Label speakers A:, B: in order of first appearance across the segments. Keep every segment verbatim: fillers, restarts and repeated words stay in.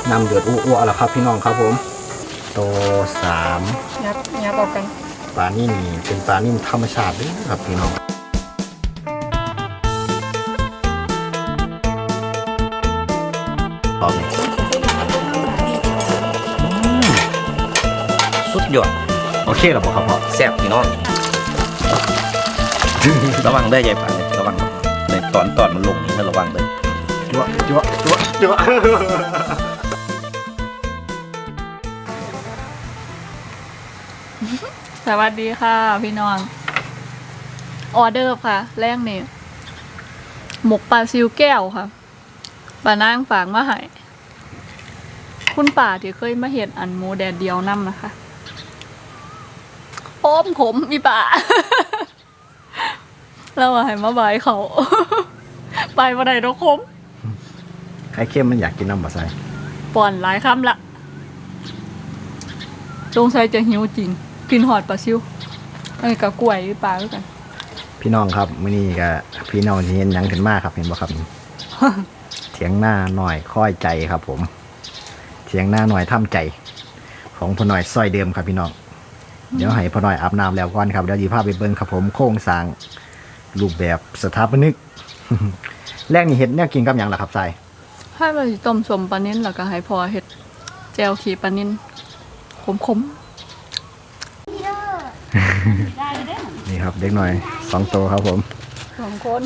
A: น้ำเดือดอ้วๆแล้วครับพี่น้องครับผมโตสาม
B: ยัดยัดต่อกัน
A: ปลานิ่มเป็นปลานิ่มธรรมชาติด้วยครับพี่น้อง
C: สุดยอด
A: โอเคหรอครับพ่อ
C: แซ่บพี่น้องระวังได้ใหญ่ป่าเนี่ยระวังในตอนตอนมันลงนี่ให้ระวังเลย
A: จั่วจั่วจั่วจั่ว
B: สวัสดีค่ะพี่น้องออเดอร์ค่ะแรกนี่หมกปลาซิวแก้วค่ะปลานางฝากมาให้คุณป่าที่เคยมาเห็นอันหมูแดดเดียวน้ำนะคะโอ้มขมมีป่าแล้วให้มาบายเขาไปวันไหนเราคม
A: ใครเข้มมันอยากกินน้ำบะไซ
B: ป่อนหลายคำละจงใส่จะหิวจริงกินหอดปลาซิวเอ้ยกับกล้วยปลาด้วยกัน
A: พี่น้องครับมื้อนี้ก็พี่น้องที่เห็นยังขึ้นมากครับเห็นบ่ครับเถียงหน้าหน่อยค่อยใจครับผมเถียงหน้าหน่อยท่ำใจของพ่อหน่อยซอยเดิมครับพี่น้องเดี๋ยวให้พ่อหน่อยอาบน้ำแล้วก่อนครับเดี๋ยวจีพาไปเบิ่งครับผมโครงสร้างรูปแบบสถาปนิกแรกนี่เห็ดเนี่ยกินกับอย่างล่ะครับทราย
B: ให้มาต้มสมปลานิ่นแล้วก็ให้พอเห็ดแจวขีปลานิ่นขม
A: ๆนี่ครับเด็กหน่อยสองตัวครับผม
B: สองคน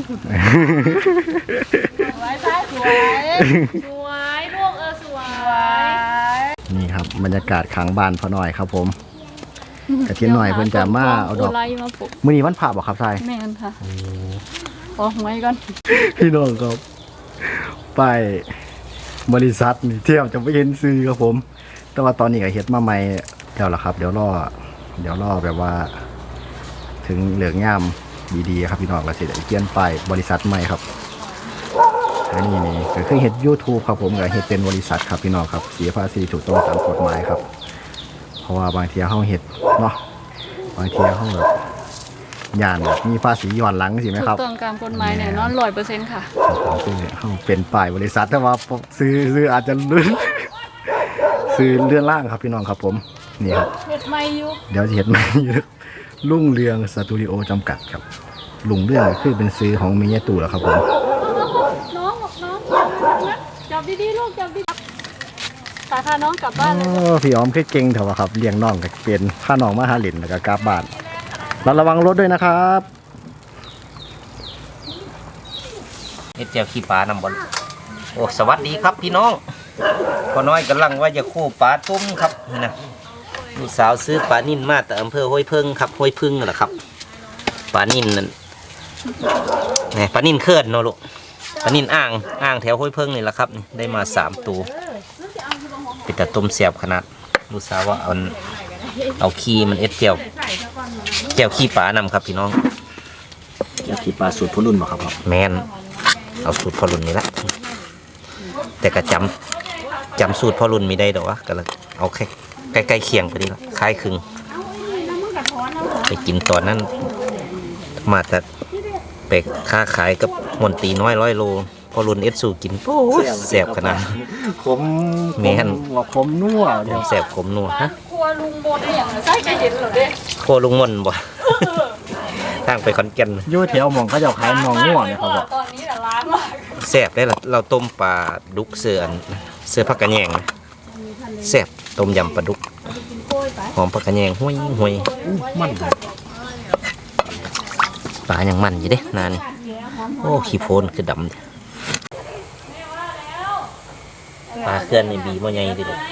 B: สวยใช่สวยสวยลูกเออสวย
A: นี่ครับบรรยากาศขังบ้านพ่อหน่อยครับผมกระเทียมหน่อยเพิ่นจะมาเอาดอกมื้อนี้วันพระบ่ครับทราย
B: แม่นค่ะออกไว้ก่อน
A: พี่น้องครับไปบริษัทนี่เที่ยวจะไปเห็นซื้อครับผมแต่ว่าตอนนี้ก็เฮ็ดมาใหม่แล้วล่ะครับเดี๋ยวรอเดี๋ยวรอแบบว่าถึงเหลืองย่ามดีๆครับพี่น้องก็สิได้เปลี่ยนไปบริษัทใหม่ครับอันนี้นี่ก็คือเฮ็ด YouTube ครับผมก็เฮ็ดเป็นบริษัทครับพี่น้องครับเสียภาษีถูกต้องตามกฎหมายครับเพราะว่าบางทีเฮาเฮ็ดเนาะบางทีเฮาแบบย่านแบบมีภาษีย้อนหลังสิไหมครับ
B: ถูกต้องตามกฎหมายแน่นอน ร้อยเปอร์เซ็นต์ ค่ะ
A: คือเฮาเป็นป้ายบริษัทแต่ว่าซื้อซื้ออาจจะลื่นซื้อเลื่อนล่างครับพี่น้องครับผมนี่ครับ
B: เฮ็ดใหม่อยู่
A: เดี๋ยวจะเฮ็ดใหม่อยู่รุ่งเรืองสตูดิโอจำกัดครับลุงเรื่องคือเป็นซื้อของมีเยตู่แล้วครับผม
B: น้องน้องจับดีๆลูกจับดีๆพาน้องกลับบ้านเลย
A: พี่อ้อมคือเก่งเถอะครับเลี้ยงน้องก็เป็นพาน้องมาหาหลินแล้วก็กลับบ้านระวังรถด้วยนะครับ
C: เฮ็ดแจ่วขี้ปลานำบอลโอ้สวัสดีครับพี่น้องพ่อน้อยกำลังว่าจะคู่ปลาต้มครับนี่นะลูกสาวซื้อปลานิ่นมาแต่อำเภอห้วยพึ่งครับห้วยพึ่งนั่นแหละครับปลานิ่นนั่นนี่ปลานิ่นเคลื่อนเนาะลูกปลานิ่นอ่างอ่างแถวห้วยพึ่งนี่แหละครับนี่ได้มาสามตัวเป็นแต่ต้มเสียบขนาดลูกสาวว่าเอาเอาขี้มันเอ็ดเจียวเจียวขี้ปลานำครับพี่น้อง
A: เจียวขี้ปลาสูตรพ่อรุ่นบ่ครับ
C: แมนเอาสูตรพ่อรุ่นนี่ละแต่ก็จำจำสูตรพ่อรุ่นไม่ได้ดอกวะก็เลยเอาแค่ใกล้ๆเคียงไปดีละคล้ายคลึงไปกินตอนนั้นมาแต่ไปค้าขายกับมนตีน้อยร้อยโลพอรุ่นเอสสูกินโอ้แสบขนาด
A: ขม
C: แมน
A: ขมนัว
C: เดี๋ยวแสบขมนัวฮะ
B: ครัวลุงบดอย่างใช่จะเห็นเหรอเด้
C: ครัวลุงมนบ่ทางไปคอนแก่น
A: ยู่แถวหม่องเขาจะขายหม่องงัวเนี่ยครับ
B: ตอนนี้แต่ร้านมาก
C: แสบได้ละเราต้มปลาดุกเสือนเสือผักกระแยงนะแสบต้มยำปลาดุกหอมผักกระแยงห้วยห้วยมันปลาอย่างมันอยู่เด้นานโอ้ขี้โพนคือดำปลาเคลื่อนในบีมันใหญ่ดิลูก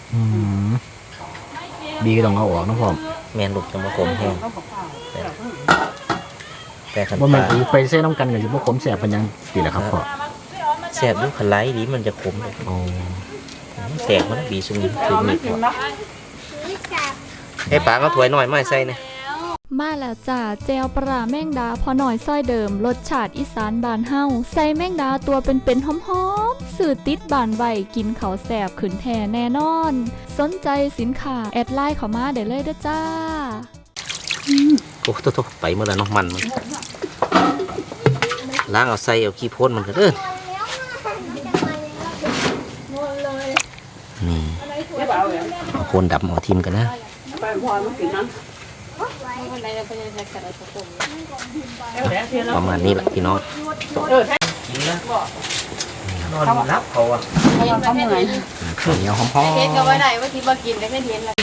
A: บีก็ต้องเอาออกนะพ่อ
C: แมนลูกจะมาขมแห้งแต่ขัน
A: ว่ามันไปเส้นน้ำกันกับที่พวกขมแสบเป็นยังตีแหละครับพ่อ
C: แสบด้วยขันไล่ดีมันจะขมเลยแตกมันบีสุ่มถึงมีดให้ปลาก็ถวยหน่อยไม่ใส่เนี่ย
D: มาแล้วจ้าเจลปลาแมงดาพอหน่อยซ้อยเดิมรสชาติอีสานบานเฮาใส่แมงดาตัวเป็นๆหอมๆสื่อติดบานไวกินเขาแสบขืนแท่แน่นอนสนใจสินค้าแอดไลน์เข้ามาได้เลยเด้อจ้า
C: โอ้โหไปเมื่อไรน้องมันมันล้างเอาใส่เอาขี้พ่นมันก็เด้อนี่เอาโคนดับเอาทิมกันนะประมาณนี้แหละพี่น้องกินแล้วนอนรับเขาอ่ะ
B: เขาเหนื่อย
A: ข้าวเหนียวหอม
B: เฮ็ดก็ไว้ได้ว่าที่บ่กินได้แค่เย็นละ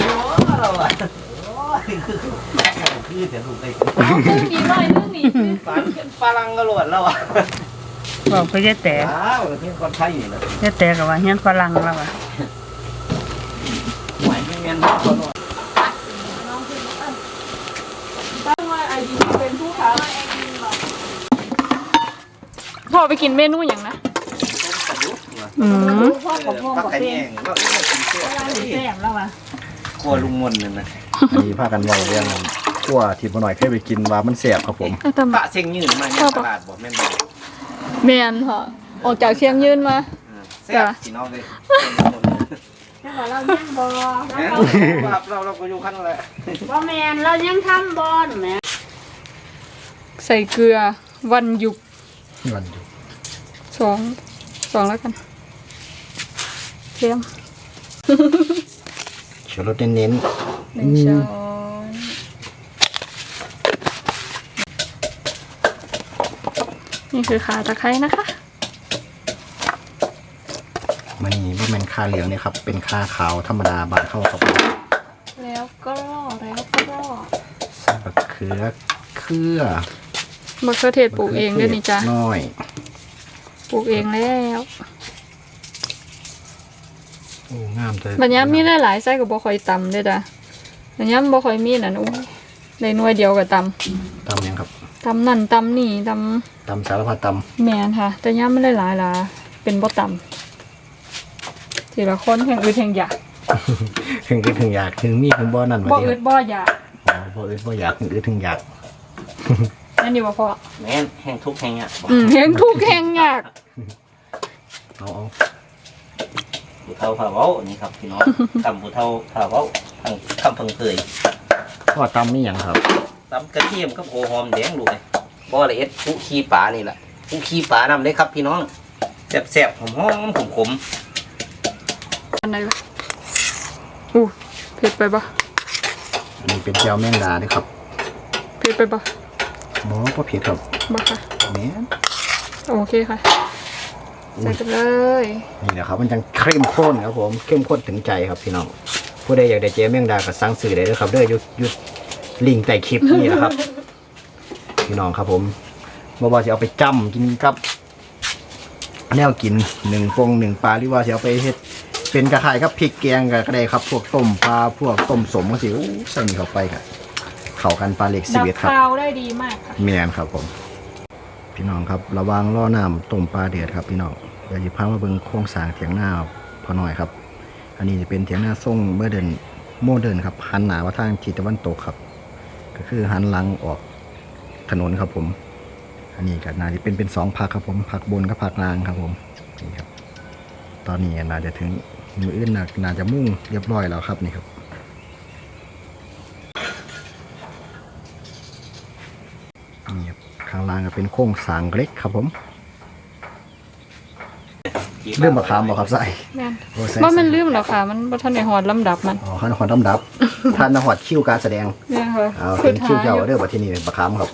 C: คือจะถูกไป
B: มีน้อยนึงนี่
C: ฝันฝรั่งกระโดดแล้วอ่ะ
E: บอกไปยายแต่
C: อ้าวเพื่อนคนไทยนี่แหละ
E: ยายแต่กับว่าเฮียนฝรั่งแล้วอ่ะ
C: หวยไม่เงี้ยนะคนว่า
B: ตั้งว่าไอดีเป็นผู้ค้าพ่อไปกินเมนูอย่างนะ
E: อืม
B: พ่อของพ่อ
C: พัก
B: กับ
C: ไข่
B: เป้
C: แห้งก็เรื่องกินเสื้อ
E: แซ่บแล้วอ่ะ
C: ครัวลุงมนเนี่ยนะ
A: ๆอันนี้พากันเว้าเรื่องขั้วที่บ่หน่อยเคยไปกินว่ามันแซ่บครับผม
C: ปะเสียงยืนมาเนี่ยตลาดบอกแม่นบอก
B: แมนค่ะออกจากเชียงยืนมา
C: แซ่บพี่น้องเลย
E: แล้วก็เรายังบ่
C: ครับเราเราก็อยู่ขั้นแหละ
E: บ่แม่นเรายังทำบ่นแหม
B: ใส่เกลือวันหยุก
A: มันอยู่
B: สองสองแล้วกันเค็ม
A: ชูรสเน้น
B: หนึ่งช้อนนี่คือขาตะไคร้นะคะ
A: ๆมันนี่บ่แม่นคาเหลืองนี่ครับเป็นคาขาวธรรมดาบานเข้าครับ
B: แล้วก็แล้วก็
A: ใส่บักเขือเครือ
B: มะเขือเทศปลูกเองด้วยนี่จ้ะ
A: น้อย
B: ปลูกเองแล้ว
A: โอ้งามเลย
B: บัญญัติมีหลายๆไส้กับบ่ค่อยตำเด้อจ้ะบัญญัติบ่ค่อยมีนั่นโอ้ยในหน่วยเดียวกับต
A: ตำยังครับ
B: ำตำนั่นตำนี่ต
A: ตำสารพัดต
B: ำแมนค่ะ แต่ย่ำไม่ได้หลายหลาเป็นบ่ตำทีละคนแห่งอึดแห่งอยาก
A: ำ ถึงคิดถึงอยากถึงมีถึงบ่นั่น
B: บ่
A: ว่า
B: อึดบ่อยาก
A: อ๋อบ่อึดบ่อยากถึงอึดถึงอยาก
B: นั่นนี่บ่พอ
C: แม่นแห้งทุกแห้งอ่ะ
B: อืมแห่งทุกข์แห่งอยาก
A: เอาเอา
C: ผู้เฒ่าผ่าเว้านี่ครับพี่น้องตำผู้เฒ่าผ่าเว้าทางคำเพิ่งเคย
A: พ่อตำนี่หยังครับ
C: ตำกระเทียมกับโอหอมแดงลูกเลยบ่ละเอ็ดผู้ขี้ปลานี่แหละผู้ขี้ปลานำได้ครับพี่น้องแซ่บๆหอมๆขม
B: อันไหนวะอู้เผ็ดไปบ่
A: อันนี้เป็นแจ่วแมงดาเด้อครับ
B: เผ็ดไปบ่
A: บ่บ่เผ็ดครับ
B: บ่ค่ะ
A: แม่น
B: โอเคค่ะใส่กันเลย
A: นี่แหละครับมันจังเข้มข้นครับผมเข้มข้นถึงใจครับพี่น้องผู้ใดอยากได้เจ๊แมงดาก็สั่งซื้อได้เลยครับเด้ออยู่อยู่ลิงก์ใต้คลิปนี่แหละครับ พี่น้องครับผมบ่ว่าจะเอาไปจ้ำกินกับแนวกินหนึ่งฟงหนึ่งปลาหรือว่าจะเอาไปเฮ็ดเป็นกระไข่ครับพริกแกงก็ได้ครับพวกต้มปลาพวกต้มสมก็สิโอ้ใส่นี่เข้าไปครับเข้ากันปลาเล็กสิ
B: ดั
A: บบ เอ็ดครับ
B: คาวได้ดีมากค่ะ
A: เมียนครับผม พี่น้องครับระวังล่อน้ำต้มปลาเดือดครับพี่น้องเดี๋ยวจะพามาเบิ่งโครงสร้างเถียงหน้าพอหน่อยครับ อันนี้จะเป็นเถียงหน้าทรงเมื่อเดินโมเดิร์นครับหันหน้าว่าทางทิศตะวันตกครับ ก็คือหันหลังออกถนนครับผม อันนี้ก็น่าจะเป็นเป็นสองพักครับผมพักบนกับพักล่างครับผมนี่ครับ ตอนนี้น่าจะถึงมืออื่นน่าน่าจะมุ่งเรียบร้อยแล้วครับนี่ครับนี่ครับข้างล่างก็เป็นโค้งสร้างเล็กครับผม
C: ๆ
A: เรื่องมะขามบ่ครับใส่
B: แม่น
A: โอ้ใส่
B: ว่ามันลืมแล้วค่ะ มันบ่ทันได้ฮอดลำดับมัน
A: อ๋อขันหอดดำดับ ท่านหอดคิวการแสดง
B: แม่นค่ะ
A: เอาเป็นคิวเจ้าเด้อบัดที่นี่มะขามครับ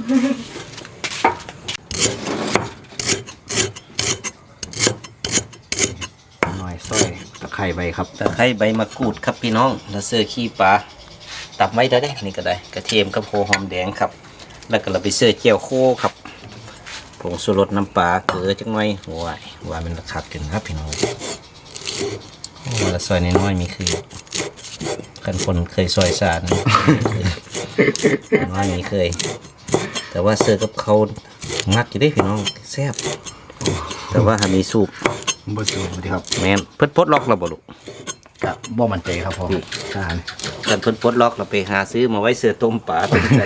A: หน่อยซอยตะไคร้ใบครับ
C: ตะไคร้ใบมะกรูดครับพี่น้องแล้วเสื้อขี้ปลาตับไว้ได้ได้นี่ก็ได้กระเทียมกับโคหอมแดงครับ แล้วก็เราไปเสื้อเจียวโคครับผงชูรสน้ำปลาเกลือจังหน่อยหัวว่ามันระคักกันครับพี่น้องโอ้แล้วซอยน้อยๆมีคือกันคนเคยซอยสาร น้อยมีเคย แต่ว่าเสื้อกับเขางัดอยู่ได้พี่น้องแซ่บแต่ว่าหามีสูบ
A: บ่สูสวัสดีครับ
C: แม่นเพิ่นปลดล็อกเราบ่ลูก
A: กะบ่มั่นใจครับพ่อทหาร
C: กันเพิ่นปลดล็อกเราไปหาซื้อมาไว้เสื้อต้มปลาเป็นใจ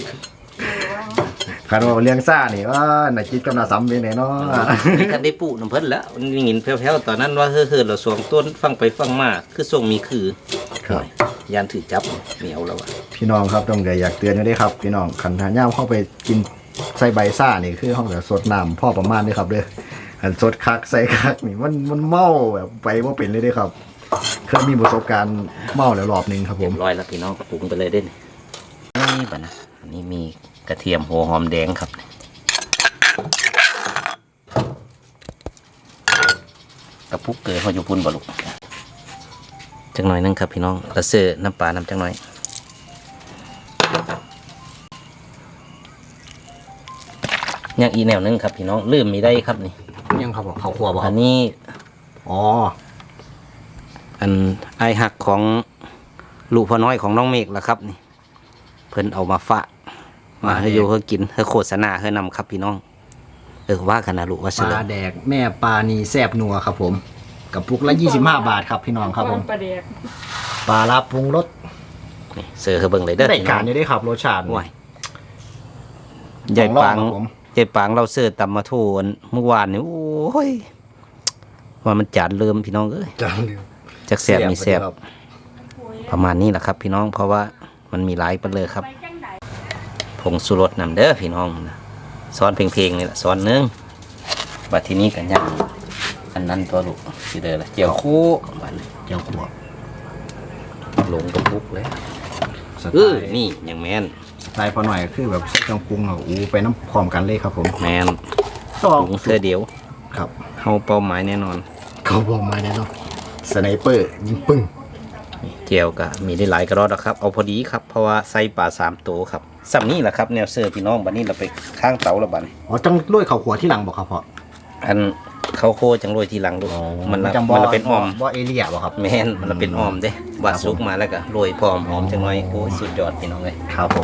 A: คันว่าเลี้ยงซ่านี่ว่าน่าจิตกับน่าซ้ำเป็นไหนเนาะ
C: นี่คันได้ปูน้ำเพิ่นแล้วนี่หินแผ่วๆตอนนั้นว่าเฮ้อๆเราสวงต้นฟังไปฟังมาคือส่งมีคือ
A: ครับ
C: ยานถือจับเหนียวแล้วอะ
A: พี่น้องครับต้องอยากเตือนอยู่ด้วยครับพี่น้องขันทานย่ามเข้าไปกินใส่ใบซ่านี่คือห้องแบบสดน้ำพ่อประมาณนี้ครับเด้ออันสดคักใส่คักนี่มันมันเมาแบบไปว่าเป็นเลยเด้อครับเคยมีประสบการณ์เมาแล้วรอบหนึงครับผ
C: เรีย
A: ม
C: บร้อยแล้วพี่น้องก็ปรุงไปเลยเด้นนี่ป่ะนะอันนี้มีกระเทียมหัวหอมแดงครับกระปุกเกลือเขาอยู่พุ่นบ่ลูกจังหน่อยนึงครับพี่น้องกระเสือน้ำปลาน้ำจังหน่อยยังอีกแนวนึงครับพี่น้องลืมมีได้ครับนี่
A: ยังครับผมข้าวคั่วบ่ค
C: อั
A: รับ
C: นนี้
A: อ๋อ
C: อันไอหักของลูกพ่อน้อยของน้องเมฆล่ะครับนี่เพิ่นเอามาฝากมาให้อยู่เพื่อกินเพื่อโฆษณาเพื่อนำครับพี่น้องเออว่ากันนะลูกว่า
A: ป
C: เสือ
A: ลาแดกแม่ปลานีแซบนัวครับผมกับปุกละยี่สิบห้าบาทครับพี่น้องครับผม
B: ปลาเด็ก
A: ปลาลาปรุงรส
C: นี่เสือเขาเบิ่งเลยเด้อ
A: ได้
C: พี่น้
A: กา
C: อ
A: รง อยู่ได้ครับรสชาติ
C: ว้ายใหญ่ปัง
A: ของรอบครับผม
C: ใหญ่ปังเราเสือตำมาโทนเมื่อวานนี่โอ้ยว่ามันจานเริ่มพี่น้องเอ้ย
A: จานเดียว
C: จากแสบมีแสบ
A: ครับ
C: ประมาณนี้แหละครับ พี่น้องเพราะว่ามันมีหลายไปเลยครับผงสุรสนำเด้อพี่น้องนะซ้อนเพลงๆนี่แหละซ้อนหนึงบัดทีนี้กันยังอันนั้นตัวลูกสิเด้อละเจียวคู่บัดนี้
A: เจียวขั่ว
C: ลงกระปุกเลย
A: สไต
C: เออ
A: ล์
C: นี่อย่างแมน
A: สไตล์พอหน่อยก็คือแบบใส่เครื่องปรุงเราอู้ไปน้ำพร้อมกันเลยครับผม
C: แมน
A: ต่อ
C: ปรุงเสื้อเดียว
A: ครับ
C: เฮาเป้าหมายแน่นอน
A: เขาบอกมาแน่นอนสไนเปอร์ยิงปึ้ง
C: นี่เจียวก็มีได้หลายกระรอดนะครับ เอาพอดีครับเพราะว่าใส่ปลาสามตัวครับสัมนี่แหละครับแนวเสื้อพี่น้องบัดนี้เราไปข้างเตาแล้วบัดนี้
A: อ๋อจังด้วยข้าวขัวที่หลังบอกครับพ่อ
C: อันเขาโคจังโรยทีหลังดูมันละ
A: จังบ
C: มันละเป็นออม
A: บ่เอเลียบ่ครับ
C: แมนมันละเป็นออมเด้บาดซุกมาแล้วก็โรยพร้อมหอมจังหน่อยโอ้ยสุดยอดพี่น้องเลย
A: ครับผม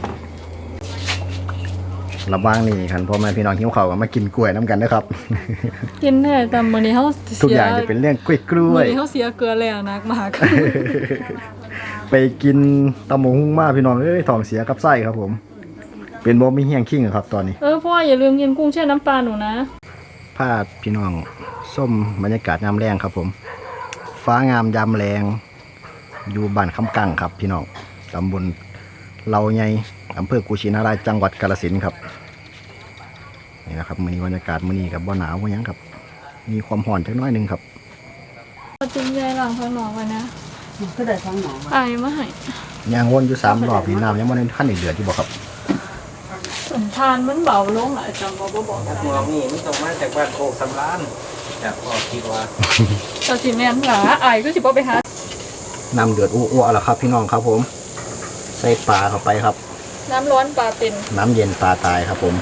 A: ระว่างนี่คันพ่อแม่พี่น้องหิวข้าวก็มากินกล้วยน้ำกันนะครับ
B: กินแน่แต่มื้อนี้เฮา
A: ทุก
B: เสี
A: อย่างจะเป็นเรื่องกล้วยกล้
B: มื้
A: ว
B: อย นี้เฮาเสียเกลือแล้วนักมาก
A: ไปกินตำหมงหุ้งมาพี่น้องเอ้ยท้องเสียกับไส้ครับผม เป็นบ่มีเฮียงขิงครับตอนนี้
B: เออพ่ออย่าลืมกินกุ้งแช่น้ำปลาหนูนะ
A: พาพี่น้องส้มบรรยากาศยามแรงครับผม ฟ้างามยามแรงอยู่บ้านคำกังครับ พี่น้องตำบลเราใหญ่อำเภอกุชินารายจังหวัดกาฬสินธุ์ครับนี่นะครับมื้อนี้บรรยากาศมื้อนี้กับบ่หนาวบ่หยังครับ มีความร้อนจักหน้อยหนึงครับ
B: เอาจริงใจหลังข้างนอกไว้นะ
E: มันก็ได้ฟังหมอมา
B: อายมาให้
A: ย่างวนอยู่สามรอบนี่น้ำยังบ่ได้ขั้นเดือดอยู่บ่ครับ
B: สัมทานมันเบาลงหลายจังบ่บ่บอกกัน
C: มองนี่มันต้องมาจากบ้านโคกสำรานจากพ่อคิดว่า
B: แต่สิแม่นหลาอายก็สิบ่ไปหา
A: น้ำเดือดอ้วๆแล้วครับ พี่น้องครับผม ใส่ปลาเข้าไปครับ
B: น้ำร้อนปลาเป็น
A: น้ำเย็นปลาตายครับผม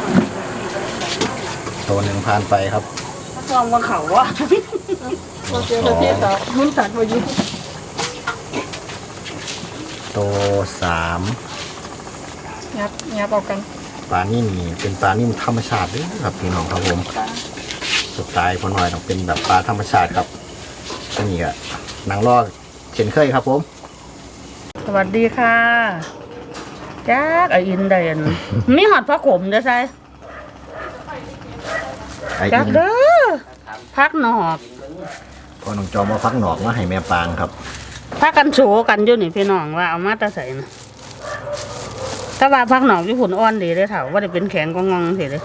A: ตัวหนึ่งผ่านไปครับ
E: ซองว่าเขาว่า
B: บ่เจอประเทศต่อมันตัดบ่อยู่
A: ตัวสาม
B: ยับยับเอากัน
A: ปลานิ่มนี่เป็นปลานิ่มธรรมชาติเลยครับพี่น้องครับผมสไตล์พอหน่อยต้องเป็นแบบปลาธรรมชาติครับอันนี้ก็หนังลอกเช่นเคยครับผม
E: สวัสดีค่ะจ้าไออินเดนมีหอดพระขมจะใช่
A: ไอ้
E: จั
A: อิ
E: ก
A: น
E: เด้อพักหนอก
A: พอน้องจอมมาฟักหนอกมาให้แม่ปางครับ
E: พักกันโฉกันอยู่นี่พี่น้องว่าเอามาแตะใส่นะถ้าว่าพักหนอกญี่ปุ่นอ่อนดีเลยเถาว่าจะเป็นแข็งกองงเสียเลย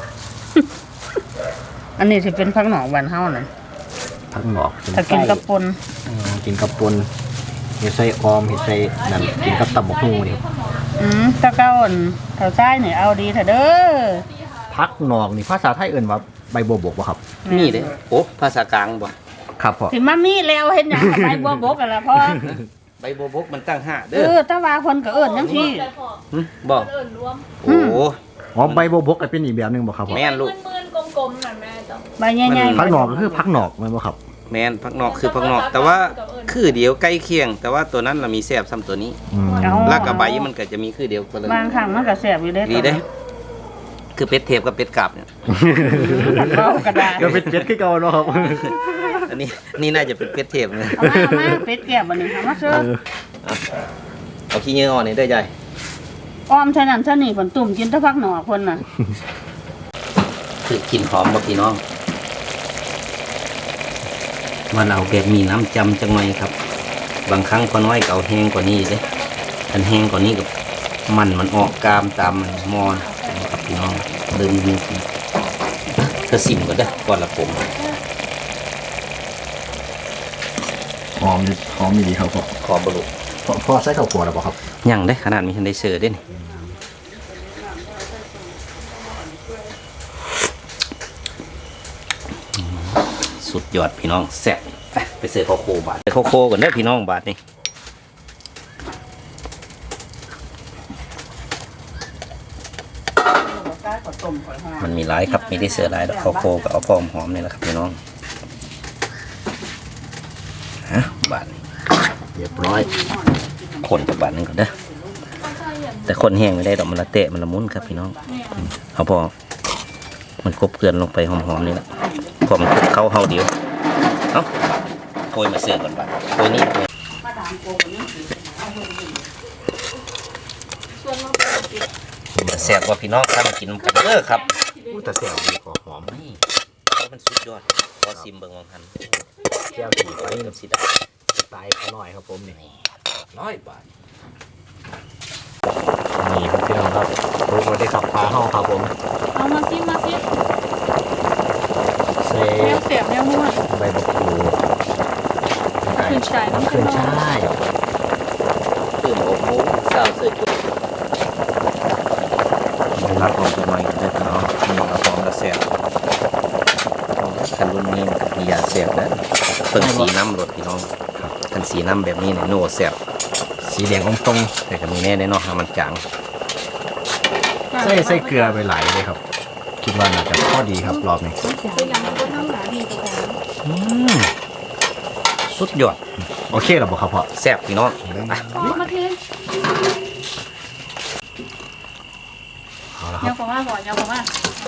E: อันนี้สิเป็นพักหนอกบานเฮานั่น
A: ฟักหนอกเป็น
E: ถ้ากินกับปน
A: อืมกินกับปนเห็ดใส่ออมเห็ดใส่นั่นกินกับตับบกฮูนี่
E: อืมตะเก้าอั่นเถาซ้ายนี่เอาดีเถอะเด้อ
A: พักหนอกนี่ภาษาไทยเอิ่นว่าใบบัวบกบ่ครับ
C: นี่เด้โอ้ภาษากลางบ่
A: ครับพ่อ
E: ถึงมามีแล้วเห็นหยังกับใบบัวบกกันละพ่อ
C: ใบบัวบกมันตั้งห้า
E: เอ
C: เด้อ
E: อตะว่าคนก็เอิ้นจังซี่
C: หึบ่
B: เอิ้นรวม
C: โอ้โห
A: อ๋อใบบัวบกก็เป็นอีกแบบหนึงบ่ครับพ่อ
C: แม่นลูก
B: มื่นๆกลมๆนั่นแม่จ้ะ
E: ใบใหญ่ๆ
A: พักหนอกก็คือพักหนอกแม่นบ่ครับ
C: แมนพักนอกคือพักนอก แต่ว่าคือเดียวใกล้เคียง แต่ว่าตัวนั้นเรามีแซ่บซ้ำตัวนี้
A: อืม
E: เอา
C: ลากกับใบมันก็จะมีคือเดียวกันเลย
E: บางครั้งมันก็แซ่บอยู่เด้
C: ดีเด้ คือเป็ดเทปกับเป็ดกาบเนี่ย
E: เอากระดาษ
A: ก็เป็นเป็ดคือเก่าเนาะครับ
C: อันนี้นี่น่าจะเป็นเป็ดเทปเลย
E: เอามาเอามาเป็ดแก้วบัดนี้เอามาเชิ
A: เอ
E: ญ
A: อ
C: เอาขี้เงี้ยอ่อนนี่ได้ใจ
E: อ้อมใช่นั่นใช่นี่ฝนตุ่มกินแตะพักหนอกเพิ่นน่ะ
C: คือกลิ่นหอมบ่พี่น้องว่าเราแบบมีน้ำจำจังหน่อยครับ บางครั้งพอน้อยก็เอาแห้งกว่านี้เด้อันแห้งกว่านี้กับมันมันออกกามตามมันมอนครับพี่น้องเดิมมีก็สิ่มก็ได้อก่อนละผม
A: หอมดิหอมดีครับพ่อ
C: ขอบรุ
A: พ่อพ่อใส่ข้าวคั่วแล้วบ่ครับ
C: ยังได้ขนาดมีทันได้เสิร์ฟด้วยนี่สุดยอดพี่น้องแซ่บไปไปเสิร์ฟข้าวโคบาทเสิร์ฟข้าวโคก่อนเด้อพี่น้องบาทนี่มันมีหลายครับมีได้เสิร์ฟหลายดอกข้าวโคกับเอาพอมหอมนี่แหละครับพี่น้องฮะบาทนี่
A: เรียบร้อย
C: คนจากบาทนึงก่อนเด้อแต่คนแห้งไม่ได้ดอกมันละเตะมันละมุนครับพี่น้องเอาพอมันกบเกลือนลงไปหอมๆนี่แหละพอมันคลุกเข้าเฮาเดียวเอ้าโกยมาเสิร์ฟก่อนบาทโกยนี่โกยมาแซ่บกว่าพี่น้องถ้ามากินกันเด้อครับ
A: อู้แต่แซ่บดีขอหอม
C: นี่มันสุดยอดพอซิมเบิ่งวังหัน
A: แก้วขี่ไป
C: นี่น้ำสีดา
A: สไตล์เขาหน่อยครับผมนี่
C: ร้อยบาท
A: นี่ครับพี่น้องครับปรุงมาได้ขับปลาห้องครับผม
B: เอามาซิมาซิ
A: ใส่
B: แนวเสียบแนวนวด
A: ใบมะกรูด
B: ขึ้นชายน้ำ
A: ขึ้
B: ขึ้
A: น
B: น
A: ช่าย
C: ตื่นหกโมงสาวเสื้อจุดได้รับของตัวใหม่กันเด้อพี่น้องนี่เอาของกระแสบคันรุ่นนี้มียาแสบนะเพิ่งสีน้ำรถพี่น้องครับคันสีน้ำแบบนี้เนี่ยโน่แสบ
A: สีแดงอมตรง
C: แต่ก็มีแน่แน่นอนมันจาง
A: ใส่ใส่เกลือไปหลายเลยครับ คิดว่าน่าจะพอดีครับรอบนี้
B: เป็นอย่างนั้นก็น้ำหนาดีตัวของ
C: อืมสุดยอด
A: โอเคหรอบ่ครับพ่อ
C: แสบพี่น้องอ่ะ
B: มาเท
A: เอาละค
B: เยา
A: รับ
B: วกว่าก่อนเยาวกว่า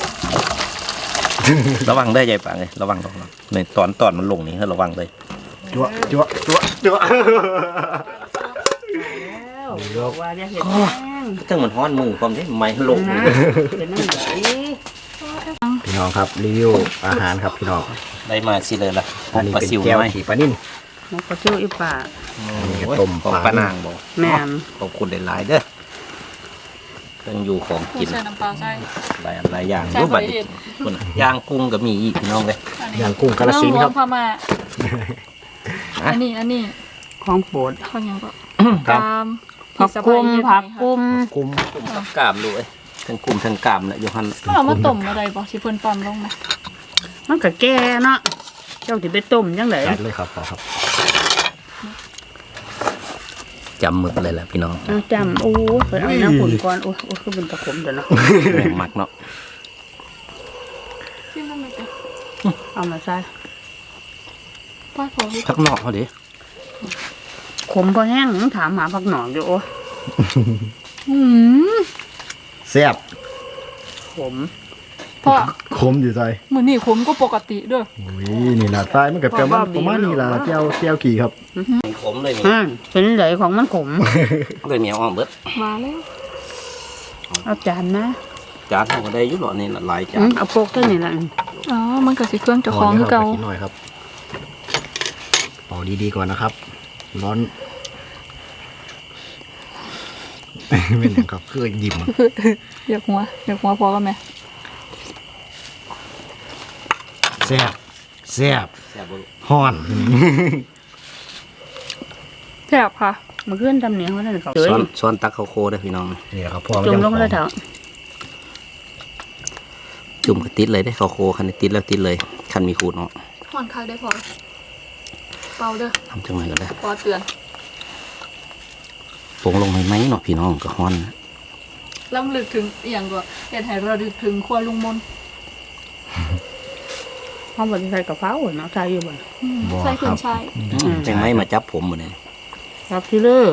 C: ระวังได้อใหญ่ปากเลยระวังระวังในตอนตอนมันลงนี่ให้ระวังเลย
A: จั่วจั่วจั่วจั่ว
E: แล้วว่าจะเห็นแห้ง
C: ถ้ามันฮ้อนมือความที่ไม่ลง
E: นะเป็นนั่นไหน
A: พี่น้องครับรีวิวอาหารครับพี่น้อง
C: ได้มาสิเลยล่ะ
A: อันนี้
C: ปลา
A: เป็น
C: ซิว
A: แก้ว
C: ไหม
A: ขี่ปลานิ่น
E: มันก็เชื่ออีป่า
A: นี่ก็ต้ม
C: ของ
A: ปลา
C: ปลานางบอก
E: แม่น
C: ขอบคุณหลายๆเด้อเครื่องอยู่ของกิน
B: ใส่น้ำปลาใส่
C: หลายอันหลายอย่าง
B: ใส่
C: รูปแบบ
B: ผลอิฐ
C: คนย่างกุ้งก็มีอีกพี่น้องเลย
A: อย่างกุ้งกาฬสินธุ์ครับ
B: เองวงพม่าอันนี้อันนี้
E: ของโปรด
B: ข้าวยังก็
C: ครับ
B: ตาม
E: ผักกุมผักกุม
A: กุ้ง
C: กับกล้ามด้วยทั้งกุ้งทั้งกล้ามแหละโยฮัน
B: ก็เอามาต้มอะไรบอกที่เพิ่นปั๊มลงไหม
E: มันก็แก่เนาะเจ้าที่ไปต้มยังไง
A: จัดเลยครับพ่อครับ
C: จำหมึกเลยแหละพี่น้อง
E: เอาจำโอ้ไปเอาน้ำผุนก่อนโอ้โอ้คือเป็นตะขมเดี๋ยวเนาะ
C: แม่งมักเนาะ
B: ที่มันไม่เป็น
E: เอามาใส่
B: ป้าขอพี่
C: พักนอกเขาดิ
E: ขมพอแห้งถามหาผักหนอนอยู่โอ้
B: อืม
A: แซ่บ
E: ขม
B: พ่อ
A: ขมอยู่ใจ
B: มือนี่ขมก็ปกติเด้วย
A: อุ้ยนี่ละใต้มันกับประมาณประมาณนี้ละแก้วแก้วขี่ครับ
C: ขมเลยมี
E: อ่าเป็นไหลของมันขม
C: เลยมีอ้อมเบิด
B: มาแล้ว
E: เอาจานนะ
C: จานเขาก็ได้อยุ่หรอนี่หลายจา
E: อื
C: น
E: มเอาโปกตัวนี้ละ
B: อ๋อมันก็สิเครื่องเจะคล้าของคือเก่า
A: นิดหน่อยครับเป่าดีๆก่อนนะครับ ร้อน ไม่เหนครับคือยิ้ม
B: อยากหัวอยากหัวพอกันไหม
A: แซ่บแซ่บ
C: แซ่บบ่ลูก
A: ฮ้อน
B: แซ่บค่ะ
E: มาขึ้นทำเนียงเขาได้เขา
C: ซ้อนซ้อนตักข้าวโคได้อพี่น้อง
A: นี่ครับพ่อ
E: จมลงเลยเถอะ
C: จุ่มก็ติดเลยได้อข้าวโคคันนี้ติดแล้วติดเลยคันมีขูดเนาะ
B: ห่อนคักได้พอเป่าเด้อ
C: ทำจังไรก็ได้
B: พอเตือน
C: ปรุงลงไหมไหมเนาะพี่น้องก็ฮ้อน
B: ล้ำลึกถึงอหย่างตัวเห็นให้เราดึกถึงครัวลุงมน
E: เขาบอกใส่กระเพราเนาะใส่อยู่บ่
B: อืมใส่ขึ้นชาย
C: จังไหมมาจับผมหมดเลย
E: ครับที่เลือ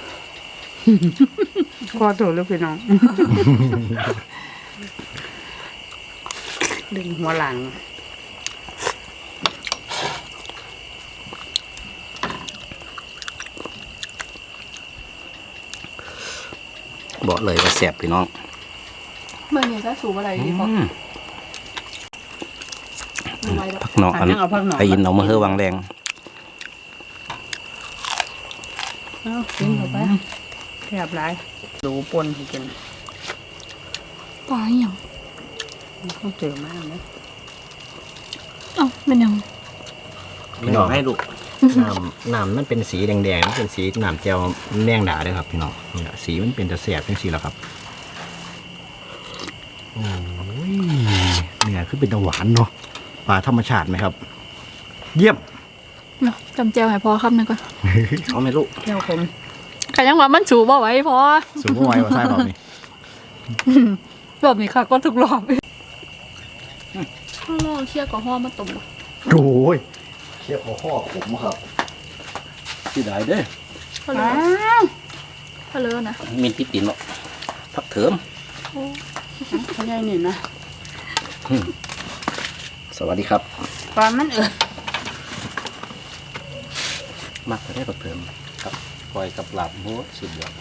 E: ขอโทษเลยพี่น้อง ดึงหัวหลัง
C: บอกเลยว่าแซ่บพี่น้อง
B: เมื่อนี้ก็สูบอะไรดีพอ
C: อืม
B: ไม่ไหวแล้ว
C: ผักหนอกอัน
E: เอาผักหนอก
C: ไอ้ยินเอามาเฮือวางแรง
E: เอากินเข้าไปแทบหลายดูปนให้กิน
B: ปลาอหย่าง
E: ต้องเจอมากนะ
B: เอ้าเป็นหยัง
C: พี่น้องให้ลูก
A: น้ำน้ำมันเป็นสีแดงๆมันเป็นสีน้ำแจ่วแมงดาเด้อครับพี่น้องนี่แหละสีมันเป็นตะแสบจังซี่แหละครับโอ้ยเนี่ยคือเป็นตะหวานเนาะปลาธรรมชาติไหมครับ เยี่ยม
B: เนาะจำแจวให้พอคำหนึงก่อน
A: เอาไหมลูก
E: เจ้าผม
B: ใครยังว่ามันสูบ่ไหว้พอ
A: สูงไว้ว่าใช่แบบนี้
B: รอบนี้ค่ะก็ทุกรอบข้าวลองเชี่ยกับห่อมาต้มบ่
A: โอ้ยเคี่ยวข้อผมครับที่ไหนเด้อ
B: ข้าวเล
E: อ้า
B: อ
E: ว
B: ข้าวเลอนะ
C: มินติดตินเนาะผักเถิม
E: เขาใหญ่นี่นะ
A: สวัสดีครับ
E: ปลามันเออ
C: มักจะได้ผักเถิมกับปล่อยกับลาบโหสุดยอด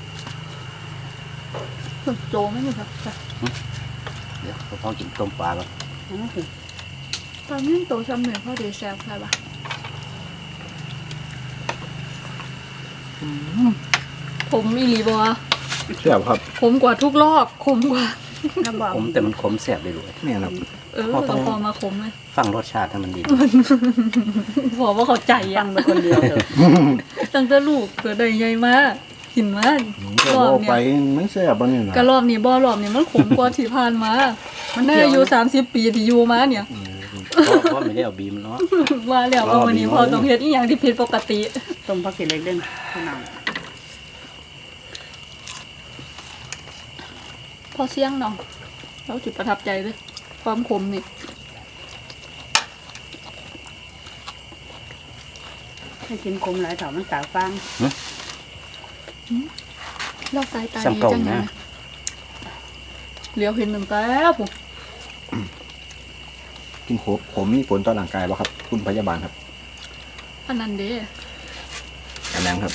B: โจไม่มีครับจ้ะ
C: เดี๋ยวพ่อกินต้มปลาก่อน
B: ตอนนี้โตซ้ำหนึ่งพ่อเดแซวใครปะผมอีหลีบัว
A: เชื่อครับ
B: ขมกว่าทุกรอบขมกว่า
E: น้ำบอก
C: ขมแต่มันขมแสบเลยด้วย
A: เนี่ยครับ
B: เออ
C: พอต้
B: เรา
C: อง
B: พอมาขมเลย
C: ฟังรสชาติให้มันดี
B: บอกว่าเขาใจ
E: ฟั
B: อ่ะ
E: งไปคนเดียวเถอะ
B: ตั้งแต่ลูกเกิดได้ใหญ่มากกินมาก
A: จะ
B: รอบ
A: เอาไป
B: เนี่ย
A: มันแซ่บบ้างเนี่ยนะ
B: กะรอบนี้บ่รอบนี้มันขมกว่าที่ผ่านมามันได้อายุสามสิบปีที่อยู่มาเนี่ย
C: เพราะไม่ได้เอาบีมเนาะ
B: มาแล้วว่าวันนี้พอต้องเฮ็ดอีหยังที่ผิดปกติ
E: ต้มผักขี้เหล็กเด่นพี่น้อง
B: พอเสี่ยงเนาะเราจุดประทับใจเลยความขมนี่
E: ให้กินคมหลายเถามันตาฟัง
B: เราสายตา
C: ซ้ำ
B: ดี
C: เก่า
B: จังนะ
C: นะ
B: เหลียวเห็นหนึ่งแต่ปุ๊บ
A: กินโขบผมมีผลต่อร่างกายป่ะครับ คุณพยาบาลครับ
B: อันนั้นเด้
A: อันนั้นครับ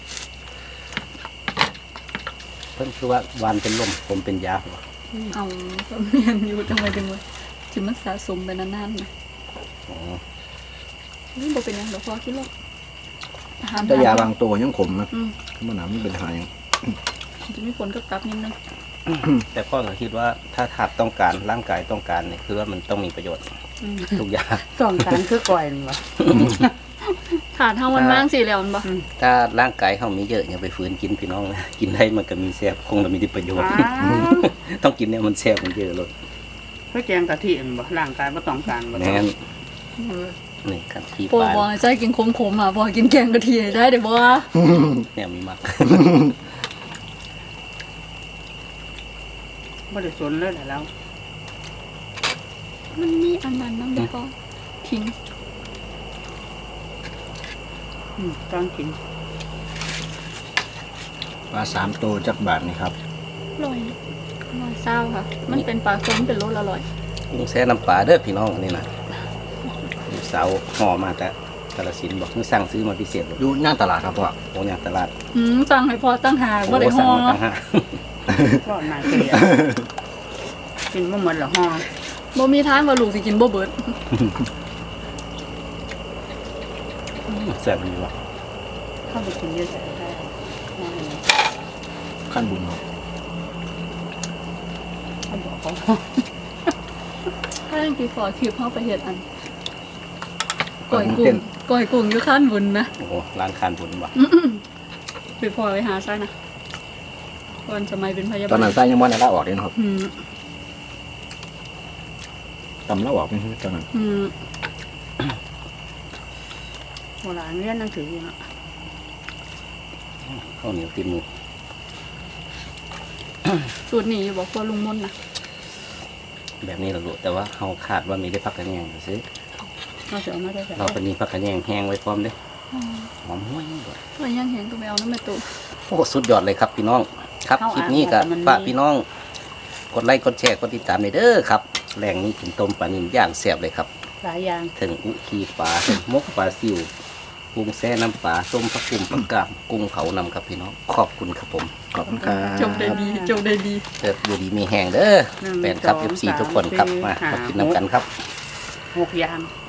C: เพิ่นคือว่าหวานเป็นลมผมเป็นยาหัว
B: เอาก็เมียนอยู่จังเลยจังเลยที่มันสะสมไปนานๆนะ
C: อ๋อ
B: นี่บ่เป็นหยังเดี๋ยวพอคิดหรอกอาหาร
A: แต่ยาบางตัวยังขมนะ
B: อืม
A: มันหนาไม่เป็นหายัง
B: จะมีผลกับกลับนิดนึง
C: แต่พ่อก็คิดว่าถ้าถับต้องการร่างกายต้องการเนี่ยคือว่ามันต้องมีประโยชน์
E: อืม
C: ทุกอย่าง
E: ต้องการคือก่อยนี่วะ
B: ขาดเท่ามันมากสิแล้วมันบ่
C: ถ้าร่างกายเขามีเยอะอย่าไปฝืนกินพี่น้องนะกินได้มันก็มีแซ่บคงจะมีประโยชน์
E: อ้าว
C: ต้องกินเนี่ยมันแซ่บมันเยอะเลย
E: เพื่อแจงกะทิอันบ่ร่างกายบ่ต้องการบ่
C: แม่น
B: เออ
C: นี่ครับที่
B: โปร
C: ปลา
B: บอกให้ใจกินขมๆอ่ะบอกกินแกงกะทิให้ได้เดี๋ยวบ่
C: เนี่ยมีมัก
E: บ่ได้สนเลยแหละแล้ว
B: มันมีอันนั้นนั่งเดี๋ยวก็ทิ้ง
E: อืมตอนกิน
A: ปลาสามตัวจักบาทนี่ครับ
B: ลอยลอยเศร้าค่ะ มันเป็นปลาส้มเป็นรสอร่อย
C: กุ้งแซ่น้ำปลาเด้อพี่น้องนี่นะลูกสาวห่อมาแต่กาฬสินธุ์บอกคือสั่งซื้อมาพิเศษเลย
A: อยู่หน้าตลาดครับพ่อ
C: โอ้ยตลาด
B: อืมสั่งให้พอตั้งหากว่าได้
C: โอ้
B: ห่
C: สั่ง
B: อ
C: มาตั้งห้า
E: รอดมาเกลียกินบ่หมดละห่อ
B: บ่มีทางว่าลูกสิกินบ่เบิด
C: แซ่บดีว่ะ
E: เข้าไปกินเยอะแยะได้ห่อหนึ่ง
A: ขั้นบุญครับ
E: เขาบอกเขา
B: ถ้ายังกี่ฟอคิวเข้าไปเฮ็ดอันก้อยกุ้งก้อยกุ้งอยู่ข้านบุญนะ
C: โอ้โหร้านคานบุญว่ะ
B: ไปพอไปหาซะนะตอนสมัยเป็นพยาบาล
A: ตอนนั้นไส้ยังมันได้ละออกเลยนะครับ
B: อืม
A: ตำละออกนี่ตอนนั้น
B: อืม
E: โบราณเรียนหนังสืออยู่เนาะ
C: ข้าวเหนียวติดมือ
B: สูตรนี้อยู่บอกว่าลุงมนต์นะ
C: แบบนี้เรารู้แต่ว่าเขาขาดว่ามีได้พักกันแยงซื้อ
E: เราจะเอามาได้แต่
C: เราเป็นมีพักกันแยงแห้งไว้พร้อมเด้อหอมห้วยด้วย
B: ว่ายังเห็นก็ไปเอาน้ำแม่ตุ่ม
C: โอ้สุดยอดเลยครับพี่น้อง ครับคลิปนี้ก็ฝากพี่น้อง กดไลค์กดแชร์กดติดตามในเด้อครับแรงนี้กินต้มปลานิลย่างแซ่บเลยครับ
E: หลายอย่าง
C: ถึงอุคีปลาถึงมกปลาซิวกุ้งแซ่น้ำปลาส้มผักกุ่มผักกาดกุ้งเผานำครับพี่น้องขอบคุณครับผม
A: ขอบคุณครับ
B: จบได้ดีจบได้ดี
C: เติบอยู่ดีมีแห้งเด้อแฟนครับเอฟซีทุกคนครับมามากินน้ำกันครับ
E: หกอย่าง